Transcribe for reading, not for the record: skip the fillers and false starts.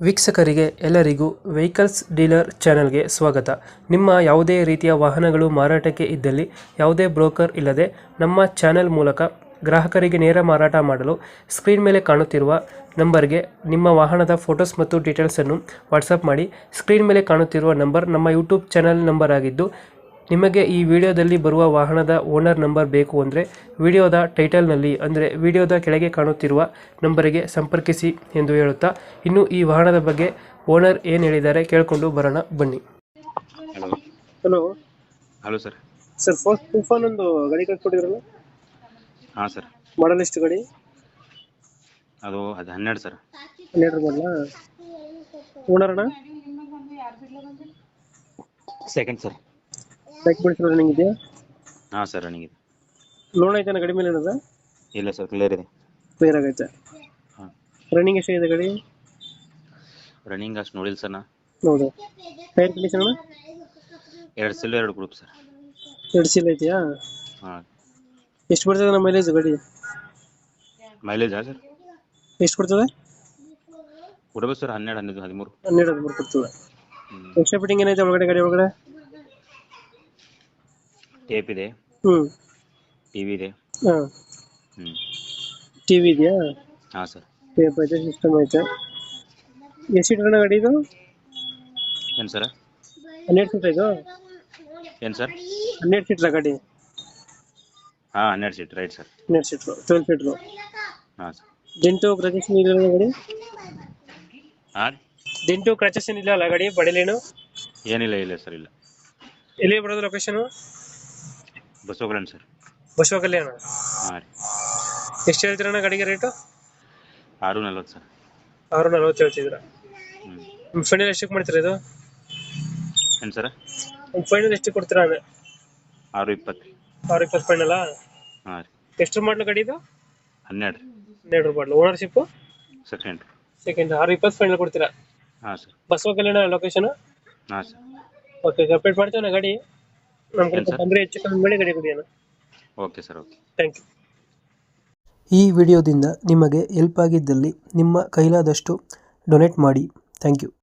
ವೀಕ್ಷಕರಿಗೆ ಎಲ್ಲರಿಗೂ vehicles dealer ಚಾನೆಲ್ಗೆ ಸ್ವಾಗತ. ನಿಮ್ಮ ಯಾವುದೇ ರೀತಿಯ ವಾಹನಗಳು ಮಾರಾಟಕ್ಕೆ ಇದ್ದಲ್ಲಿ ಯಾವುದೇ ಬ್ರೋಕರ್ ಇಲ್ಲದೆ ನಮ್ಮ ಚಾನೆಲ್ ಮೂಲಕ ಗ್ರಾಹಕರಿಗೆ ನೇರ ಮಾರಾಟ ಮಾಡಲು ಸ್ಕ್ರೀನ್ ಮೇಲೆ ಕಾಣುತ್ತಿರುವ ನಂಬರ್ಗೆ ನಿಮ್ಮ ವಾಹನದ ಫೋಟೋಸ್ ಮತ್ತು ಡೀಟೇಲ್ಸನ್ನು ವಾಟ್ಸಪ್ ಮಾಡಿ. ಸ್ಕ್ರೀನ್ ಮೇಲೆ ಕಾಣುತ್ತಿರುವ ನಂಬರ್ ನಮ್ಮ ಯೂಟ್ಯೂಬ್ ಚಾನೆಲ್ ನಂಬರ್ ಆಗಿದ್ದು, ನಿಮಗೆ ಈ ವಿಡಿಯೋದಲ್ಲಿ ಬರುವ ವಾಹನದ ಓನರ್ ನಂಬರ್ ಬೇಕು ಅಂದರೆ ವಿಡಿಯೋದ ಟೈಟಲ್ನಲ್ಲಿ ಅಂದರೆ ವಿಡಿಯೋದ ಕೆಳಗೆ ಕಾಣುತ್ತಿರುವ ನಂಬರಿಗೆ ಸಂಪರ್ಕಿಸಿ ಎಂದು ಹೇಳುತ್ತಾ, ಇನ್ನು ಈ ವಾಹನದ ಬಗ್ಗೆ ಓನರ್ ಏನು ಹೇಳಿದ್ದಾರೆ ಕೇಳಿಕೊಂಡು ಬರೋಣ ಬನ್ನಿ. Hello hello hello sir. Sir, Toofan ಒಂದು ಗಾಡಿ ಕಳ್ಸ್ಕೊಟ್ಟಿದ್ರಲ್ಲ, ಹಾಂ ಸರ್. ಮಾಡಲ್ ಎಷ್ಟು ಗಾಡಿ? ಅದು 12 ಸರ್. 12 ಮಾಡಲ. ಓನರ್ ಅಣ್ಣ? Second sir. ಡಾಕ್ಯುಮೆಂಟ್ಸ್ ರನ್ನಿಂಗ್ ಇದೆಯಾ? ಹಾಂ ಸರ್, ರನ್ನಿಂಗ್ ಇದೆ. ಲೋನ್ ಐತೆ ಗಾಡಿ ಮೇಲೆ ಏನದ? ಇಲ್ಲ ಸರ್, ಕ್ಲಿಯರ್ ಇದೆ. ಕ್ಲಿಯರ್ ಆಗೈತೆ. ಹಾಂ. ರನ್ನಿಂಗ್ ಎಷ್ಟಾಗಿದೆ ಗಾಡಿ? ರನ್ನಿಂಗ್ ಅಷ್ಟು ನೋಡಿಲ್ಲ ಸರ್ ನಾ. ಹೌದು. ಟೈರ್ ಕಂಡೀಷನ್ ಅಣ್ಣ? 2 ಸಿಲ್ 2 ಗ್ರೂಪ್ ಸರ್. 2 ಸೀಲ್ ಐತೆಯಾ? ಹಾಂ. ಎಷ್ಟು ಬರ್ತದೆ ನಮ್ಮ ಮೈಲೇಜ್ ಗಾಡಿ? ಮೈಲೇಜಾ ಸರ್? ಎಷ್ಟು ಕೊಡ್ತದೆ? ಕೊಡಬೇಕು ಸರ್, 12, 13. 12 ಕೊಡ್ತದೆ. ಎಕ್ಸ್ಟ್ರಾ ಫಿಟ್ಟಿಂಗ್ ಏನೈತೆ ಒಳಗಡೆ ಗಾಡಿ ಒಳಗಡೆ? ಟೇಪ್ ಇದೆ, ಟಿವಿ ಇದೆ. ಹಾಂ. ಹ್ಞೂ. ಟಿವಿ ಇದೆಯಾ? ಹಾಂ ಸರ್. ಟೇಪ್ ಐತೆ, ಸಿಸ್ಟಮ್ ಐತೆ. ಎಷ್ಟು ಸೀಟರ್ ಗಾಡಿ ಇದು? ಏನು ಸರ್? 12 ಸೀಟ್ ಇದು? ಏನು ಸರ್? 12 ಸೀಟ್ರ ಗಾಡಿ? ಹಾಂ, 12 ಸೀಟ್, ರೈಟ್ ಸರ್. 12 ಸೀಟ್ರು, 12 ಫೀಟ್ರು. ಹಾಂ ಸರ್. ಡೆಂಟು ಕ್ರಚಸ್ ಇಲ್ಲ ಗಾಡಿ? ಹಾಂ. ಡೆಂಟು ಕ್ರಚಸ್ ಇಲ್ಲ ಅಲ್ಲ ಗಾಡಿ? ಬಡಿಲೇನು ಏನಿಲ್ಲ, ಇಲ್ಲ ಸರ್, ಇಲ್ಲ. ಎಲ್ಲಿ ಬರೋದು location? Basavakalyan sir. Basavakalyan. ಹಾಂ ರೀ. ಎಷ್ಟು ಹೇಳ್ತೀರಣ್ಣ ಗಾಡಿಗೆ ರೇಟು? 640 ಸರ್. 640 ಹೇಳ್ತಿದ್ದೀರಾ? ಹ್ಞೂ. ಫೈನಲ್ ಎಷ್ಟಕ್ಕೆ ಮಾಡ್ತೀರಾ ಇದು? ಏನು ಸರ್? ಫೈನಲ್ ಎಷ್ಟು ಕೊಡ್ತೀರಾ ಅಂದರೆ? 620. 620 ಫೈನಲ್ಲ? ಹಾಂ ರೀ. ಎಷ್ಟು ಮಾಡಲು ಗಾಡಿ ಇದು? 12. 12 ಮಾಡಲು. ಓನರ್ಶಿಪ್? ಸೆಕೆಂಡ್. 620 ಫೈನಲ್ ಕೊಡ್ತೀರಾ? ಹಾಂ ಸರ್. Basavakalyan location? ಹಾಂ ಸರ್. ಓಕೆ, ಅಪ್ಡೇಟ್ ಮಾಡ್ತೇವೆ ಗಾಡಿ. ನಮ್ಮ ಕಡೆ ಬಂದರೆ ಹೆಚ್ಚು ಕಮ್ಮಿ ಮಾಡಿ ಗಾಡಿ ಕೊಡಿ ಅಣ್ಣ. Okay sir, okay. Thank you. ಈ ವಿಡಿಯೋದಿಂದ ನಿಮಗೆ ಹೆಲ್ಪ್ ಆಗಿದ್ದಲ್ಲಿ ನಿಮ್ಮ ಕೈಲಾದಷ್ಟು ಡೊನೇಟ್ ಮಾಡಿ. Thank you.